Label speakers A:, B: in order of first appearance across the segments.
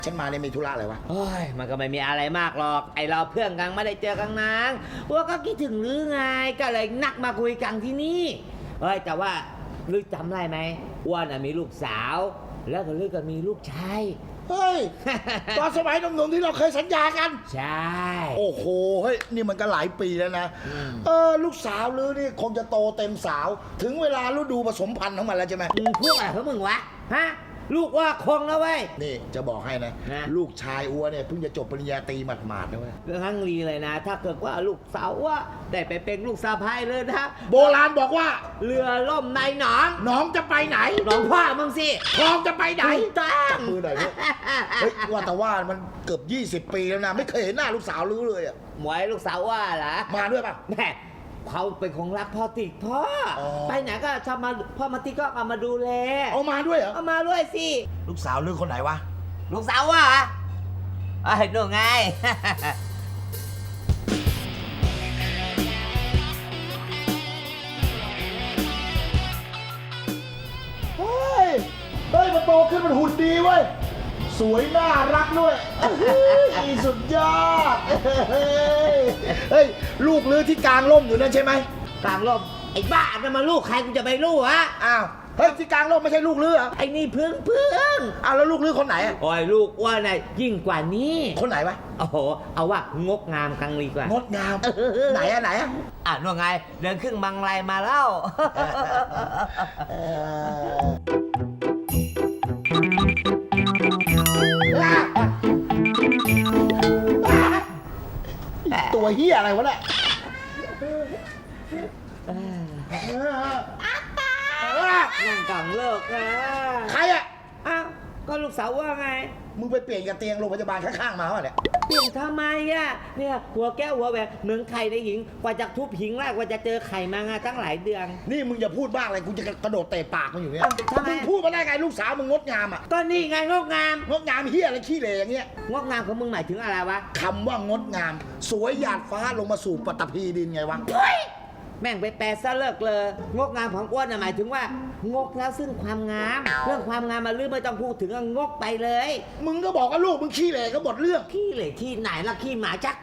A: ฉันมาเนี่ยมีธุระอะไรวะ
B: โอ้ยมันก็ไม่มีอะไรมากหรอกไอเราเพื่อนกันไม่ได้เจอกันนานว่าก็คิดถึงลือไงก็เลยนักมาคุยกันที่นี่เฮ้ยแต่ว่าลือจำได้ไหมอ้วนมีลูกสาวแล้วก็ลือก็มีลูกชาย
A: เฮ้ย ตอนสมัยหนุ่มๆที่เราเคยสัญญากัน
B: ใช่
A: โอ้โห เฮ้ย นี่มันก็หลายปีแล้วนะ ลูกสาวลือนี่คงจะโตเต็มสาว ถึงเวลาฤดูผสมพันธุ์ของมันแล้วใช่ไหม
B: มึงพูดอะไรของมึงวะฮะลูกว่าคงแล้วเว้ย
A: นี่จะบอกให้นะ ลูกชายอัวเนี่ยเพิ่งจะจบปริญญาตรีหมาดๆนะเว้ย
B: เรื่องทั้งรีเลยนะ ถ้าเกิดว่าลูกสาวว่าได้ไปเป็นลูกสะใภ้เลยนะ
A: โบราณบอกว่า
B: เรือล่มในหนอง
A: น้องจะไปไหน
B: หนองพ่อมึงสิ
A: คลองจะไปไหน
B: ถูกต้อง
A: จับมือหน่อยเนี่ยเฮ้ยว่าแต่ว่ามันเกือบ20 ปีแล้วนะ ไม่เคยเห็นหน้าลูกสาวลือเลยอะ
B: หมวยลูกสาวว่าเหรอ
A: มาด้วยป่ะ
B: แม่เขาเป็นของรักพ่อติดพ่ออ
A: อ
B: ไปไหนก็ชอบมาพ่อมาติดก็เอามาดูแล
A: เอามาด้วยเหรอ
B: เอามาด้วยสิ
A: ลูกสาวลือคนไหนวะ
B: ลูกสาวว่าไอ้หนูไง
A: เฮ้ย เฮ้ยมันโตขึ้นมันหุ่นดีเว้ย สวยน่ารักด้วยสุดยอด เฮ้ย ลูกลือที่กลางร่มอยู่นั่นใช่ไหม
B: กลางลมไอ้บ้านั่นมาลูกใครกูจะไปรู้ฮะ
A: อ้าว เฮ้ยที่กลางร่มไม่ใช่ลูกลือเหรอ
B: ไอ้นี่พึ่ง
A: อ้าวแล้วลูกลือคนไหนอะ
B: โอ้ยลูกว่าน่ะยิ่งกว่านี้
A: คนไหนวะ
B: โอ้โหเอาว่างกงามกังลีกว่าง
A: ดงาม ไหนอะไหนอะ
B: อ่ะนู่นไงเดินครึ่งบังไลมาแล้ว
A: ตัวเฮียอะไรวะเนี่ย
B: นั่งกล่องเลิกนะ
A: ใครอะ
B: อ้าวก็ลูกสาวว่าไง
A: มึงไปเปลี่ยนกับเตียงโรงพยาบาลข้างๆมาวะเนี่ย
B: เปลี่ยนทำไมอ่ะเนี่ยหัวแก้วหัวแหวนเหมือนไข่ในหิงกว่าจะทุบหิงแรกกว่าจะเจอไข่มางาตั้งหลายเดือน
A: นี่มึงอย่าพูดบ้างเลยกูจะกระโดดเตะปากมึงอยู่เนี่ย
B: ทำไม
A: มึงพูดมาได้ไงลูกสาวมึงงดงามอะ
B: ก็นี่ไงงกงาม
A: งดงามเฮียอะไรขี้เหร่อย่างเงี้ย
B: งกงามของมึงหมายถึงอะไรวะ
A: คำว่างดงาม สวยหยาดฟ้าลงมาสู่ปฐพีดินไงวะ
B: แม่งไปแปลซะเลิกเลยงกงามของอ้วนน่ะหมายถึงว่างกแล้วซึ่งความงามเรื่องความงามมาลืมไม่ต้องพูดถึงงกไปเลย
A: มึงก็บอกว่าลูกมึงขี้เหร่ก็หมดเรื่อง
B: ขี้เหล่ที่ไหนล่ะขี้หมาชัก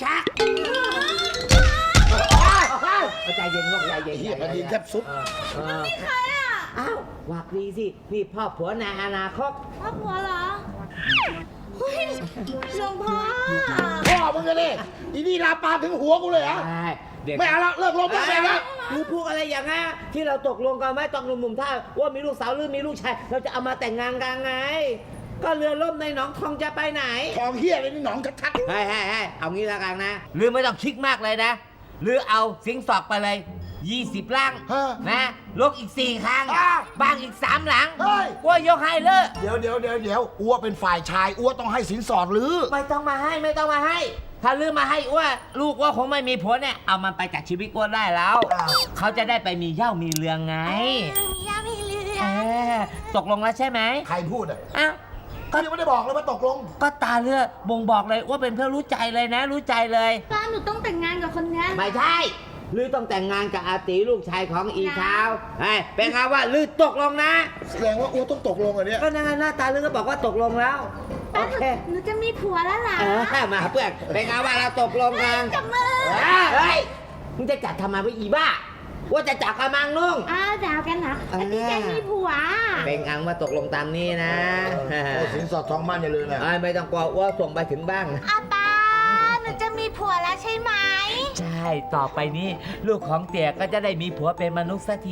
B: เอาใจเย็นงกใจเย็น
A: เฮียมันดินแทบสุด
C: ใครอ่ะ
B: อ้าววักดีสินี่พ่อผัวในอนาคต
C: พ่อผัวเหรอเฮ้ยหลวงพ่อ
A: พ่อมึงก็ดิอีนี่ลาปามถึงหัวกูเลยเหรอ
B: ใช่เด็ก
A: ไม่เอาละเลิกลบแล้วไม่เอาละ
B: คือพูดอะไรอย่างงี้ที่เราตกลงกันไว้ตอนหนุ่มๆถ้าว่ามีลูกสาวหรือมีลูกชายเราจะเอามาแต่งงานกันไง ก็เรือล่มในหนองทองจะไปไหน
A: ทองเฮียอะไรนี่หนองชัด
B: ให้เอางี้ละกันนะหรือไม่ต้องคิดมากเลยนะหรือเอาสิงสอกไปเลย20ลัง
A: ๆฮะ
B: นะลกอีก4ครั้ง
A: อ้าว
B: บ้างอีก3หลัง
A: เฮ้ย
B: ว่ายกให้เลย
A: เดี๋ยวอ้วเป็นฝ่ายชายอ้วต้องให้สินสอดหรือ
B: ไม่ต้องมาให้ ถ้าลืมมาให้อ้ว่าลูกว่าคงไม่มีผัวเนี่ยเอามันไปจากชีวิตอ้วได้แล้ว
A: อ้าว
B: เขาจะได้ไปมีเหย้ามีเรืองไง
C: มีย่ามีเรือ
B: เออตกลงแล้วใช่ไหม
A: ใครพูดอ่ะ
B: อ้าว
A: ก็ยังไม่ได้บอกเลยว่าตกลง
B: ก็ตาเลือบ่งบอกเลยว่าเป็นเพื่อนรู้ใจเลยนะ รู้ใจเลย
C: ป้าหนูต้องแต่งงานกับคนนี้
B: ไม่ใช่ลือต้องแต่งงานกับอาตีลูกชายของอีเช้าเฮ้ยเป็นไงว่าลือตกลงนะ
A: แสดงว่าอ้วต้องตกลงอันเนี้ย
B: ก็นั่นไงหน้าตาลือก็บอกว่าตกลงแล้วโอ
C: ป้า
B: เค
C: หนูจะมีผัวแล้วล่ะ
B: มาเพื่อนเป็นไงว่าเราตกลงกัน
C: จับมือ
B: เฮ้ยมึงจะจัดทำไมวะอีบ้าว่าจะจับกระมังนุ่ง
C: อ้าวดาวกันนะอันนี้จะมีผัว
B: เป็นอังว่าตกลงตามนี้นะ
A: โอ้สินสอดทองมั่นอย่าลืมนะ
B: ไม่ต้องกลัวว่าส่งไปถึงบ้าง
C: อาป้าหนูจะมีผัวแล้วใช่ไหม
B: ใช่ ต่อไปนี้ลูกของเตี่ยก็จะได้มีผัวเป็นมนุษย์สักที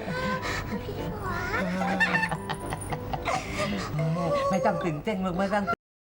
C: ผัว
B: ไม่ต้องตื่นเต้นลูกไม่ต้อง